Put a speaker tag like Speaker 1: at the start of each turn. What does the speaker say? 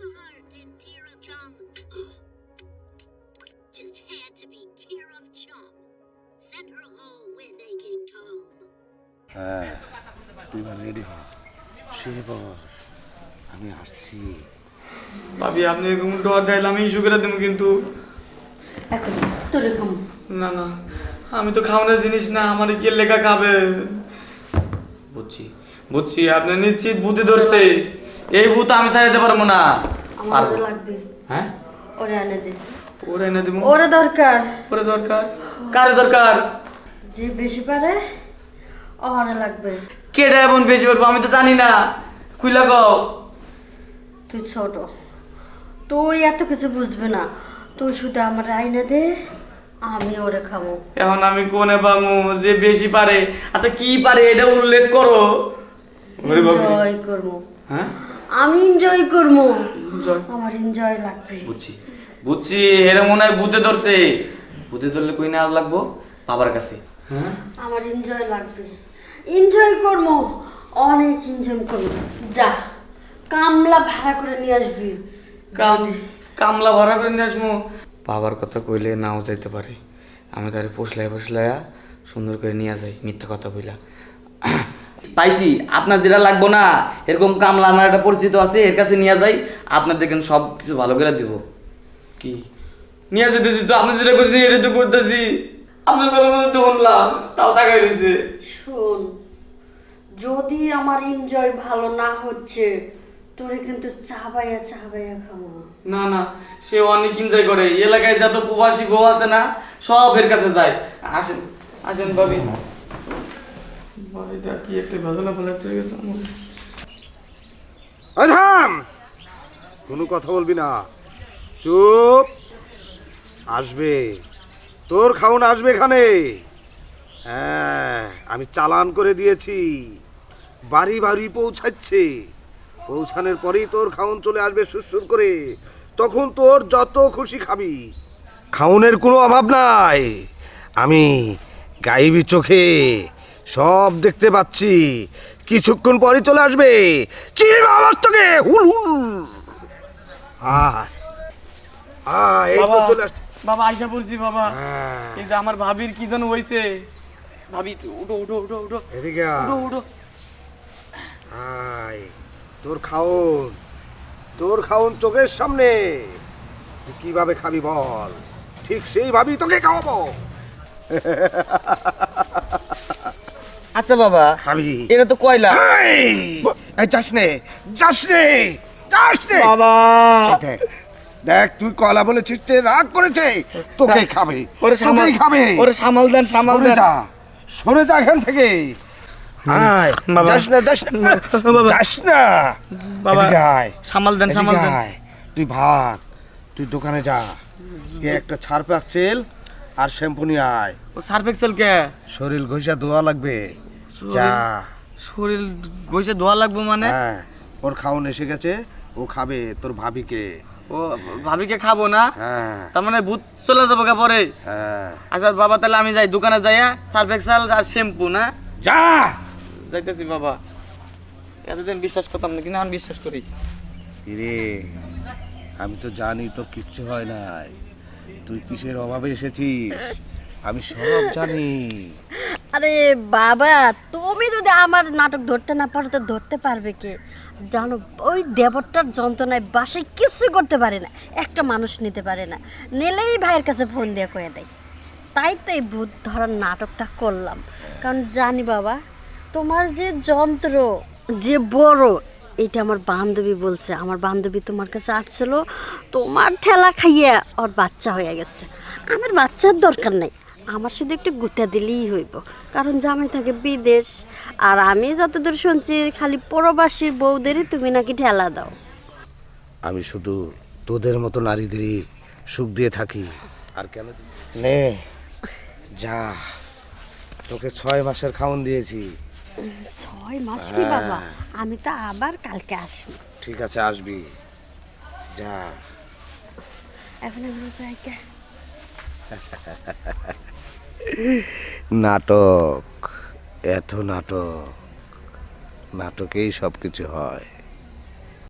Speaker 1: heart and tear of chum. Just had to be tear of chum. Send her home with aching Tom.
Speaker 2: হ্যাঁ তুই এবার ready হ শুয়ে পড় আমি আসছি।
Speaker 3: ভাবি আপনি এরকম ডর দেয় আমি ইস্যু করে দেবো কিন্তু
Speaker 4: এখন তোরে খাম
Speaker 3: না না আমি তো খাওয়ানোর জিনিস না আমার কি লেখা খাবে বুঝছি বুঝছি আপনি নিশ্চিত বুদ্ধি ধরছে এই ভূত আমি ছাড়াইতে পারবো না
Speaker 4: আমার লাগবে
Speaker 3: হ্যাঁ
Speaker 4: ওরে আনে দে
Speaker 3: ওরে এনে দিব
Speaker 4: ওরে দরকার
Speaker 3: ওরে দরকার কারে দরকার
Speaker 4: যে বেশি পারে ওরে লাগবে
Speaker 3: কেডা এমন বেশি পারবো আমি তো জানি না খুইলা কও
Speaker 4: তুই ছোট তুই এত কিছু বুঝবে না তুই শুধু আমার আইনা দে আমি ওরে খাবো
Speaker 3: এখন আমি কোনে পামু যে বেশি পারে আচ্ছা কি পারে এটা উল্লেখ করো ওরে বাবা
Speaker 4: এনজয় করবো
Speaker 3: হ্যাঁ
Speaker 4: আমি এনজয় করবো
Speaker 3: এনজয়
Speaker 4: আমার এনজয় লাগবে
Speaker 3: বুঝছি বুঝছি এরা মনে হয় ভূতে ধরছে ভূতে ধরলে কই না লাগবো বাবার কাছে হ্যাঁ
Speaker 4: আমার এনজয় লাগবে এনজয় করবো অনেক এনজয় করবো যা কামলা ভাড়া করে নিয়ে আসবি
Speaker 3: কামলা ভরা করে নিয়ে আসবো বাবার কথা কইলে নাও যাইতে পারে আমি তারে পোষলাইয়া সুন্দর করে নিয়ে যাই মিথ্যা কথা বইলা পাইছি আপনার যেটা লাগবো না এরকম কামলা আমার একটা পরিচিত আছে এর কাছে নিয়ে যাই আপনার দেখেন সব কিছু ভালো করে দিব কি নিয়ে যেতেছি তো আপনি যেটা করছেন এটা তো করতেছি আপনার কথা মতো তো শুনলাম তাও তাকাই রয়েছে
Speaker 4: শোন যদি আমার এনজয় ভালো না হচ্ছে তোরে কিন্তু চাবাইয়া খাবো
Speaker 3: না না সে অনেক এনজয় করে এই এলাকায় যত প্রবাসী বউ আছে না সব এর কাছে যায় আসেন আসেন ভাবি বাড়িটা কি একটা ভেজালা ফেলাতে গেছে
Speaker 2: থাম কোনো কথা বলবি না চুপ আসবে তোর খাউন আসবে এখানে হ্যাঁ আমি চালান করে দিয়েছি বাড়ি বাড়ি পৌঁছাচ্ছে পৌঁছানোর পরেই তোর খাউন চলে আসবে সুরসুর করে তখন তোর যত খুশি খাবি খাউনের কোনো অভাব নাই আমি গাইবি চোখে সব দেখতে পাচ্ছি কিছুক্ষণ পরই চলে আসবে চির আওয়াজ তোকে হুল হুল আয় আয় এই তো চলে আসছে
Speaker 3: বাবা আইসা পড়ছি বাবা
Speaker 2: হ্যাঁ।
Speaker 3: কিন্তু আমার ভাবির কি যেন হইছে ভাবি উঠো উঠো উঠো উঠো
Speaker 2: এদিকে আয়।
Speaker 3: উঠো উঠো
Speaker 2: আয় তোর খাউন চোখের সামনে তুই কিভাবে খাবি বল ঠিক সেইভাবেই তোকে খাওয়াবো
Speaker 3: আচ্ছা বাবা
Speaker 2: খাবি
Speaker 3: এটা তো কয়লা
Speaker 2: এই যাস নে
Speaker 3: বাবা
Speaker 2: এই দেখ দেখ তুই কয়লা বলে চিঠতে রাগ করেছে তোকে খাবে
Speaker 3: ওরে সামাল
Speaker 2: তোকেই খাবে
Speaker 3: ওরে সামাল দেন সামাল
Speaker 2: সরে
Speaker 3: দেন
Speaker 2: যা সরে যা এখান থেকে আয়
Speaker 3: বাবা।
Speaker 2: যাস না
Speaker 3: বাবা।
Speaker 2: যাস না
Speaker 3: বাবা
Speaker 2: এদিকে আয়
Speaker 3: সামাল দেন সামাল
Speaker 2: এদিকে
Speaker 3: দেন
Speaker 2: আয়। তুই ভাগ তুই দোকানে যা গিয়ে একটা ছাড় পাকছেল আর শ্যাম্পু নিয়ে আয়
Speaker 3: ও সার্ফ এক্সেল কে
Speaker 2: শরীর ঘষা ধোয়া লাগবে যা
Speaker 3: শরীর গইছে ধোয়া লাগবে মানে
Speaker 2: হ্যাঁ ওর খাওন এসে গেছে ও খাবে তোর ভাবিকে
Speaker 3: ও ভাবিকে খাবো না
Speaker 2: হ্যাঁ
Speaker 3: তার মানে ভূত চলে যাবো কা পরে
Speaker 2: হ্যাঁ
Speaker 3: আচ্ছা বাবা তাহলে আমি যাই দোকানে যাইয়া সার্ফ এক্সেল আর শ্যাম্পু না
Speaker 2: যা
Speaker 3: যাইতেছি বাবা এতদিন বিশ্বাস করতাম না কিন্তু এখন বিশ্বাস করি
Speaker 2: রে আমি তো জানি তোর কিচ্ছু হয় নাই তুই কিসের অভাবে এসেছিস আমি সব জানি
Speaker 4: আরে বাবা তুমি যদি আমার নাটক ধরতে না পারো তো ধরতে পারবে কে জানো ওই দেবরটার যন্ত্রণায় বাসায় কিছু করতে পারে না একটা মানুষ নিতে পারে না নিলেই ভাইয়ের কাছে ফোন দিয়ে কয়ে দেয় তাই তো এই ভূত ধরার নাটকটা করলাম কারণ জানি বাবা তোমার যে যন্ত্র যে বড় এটা আমার বান্ধবী বলছে আমার বান্ধবী তোমার কাছে আসছিল তোমার ঠেলা খাইয়া ওর বাচ্চা হয়ে গেছে আমার বাচ্চার দরকার নেই আমার শুধু একটু গুতা দিলেই হইব কারণ জামাই থাকে বিদেশ আর আমি যতদূর শুনছি খালি প্রবাসীর বউদেরই তুমি নাকি ঠেলা দাও
Speaker 2: আমি শুধু তোদের মতো নারীদেরই সুখ দিয়ে থাকি আর কেন নে যা তোকে 6 মাসের খাওন দিয়েছি
Speaker 4: 6 মাস কি বাবা আমি তো আবার কালকে আসবো
Speaker 2: ঠিক আছে আসবি যা
Speaker 4: এখন আমরা যাই কে
Speaker 2: নাটক এত নাটকেই সব কিছু হয়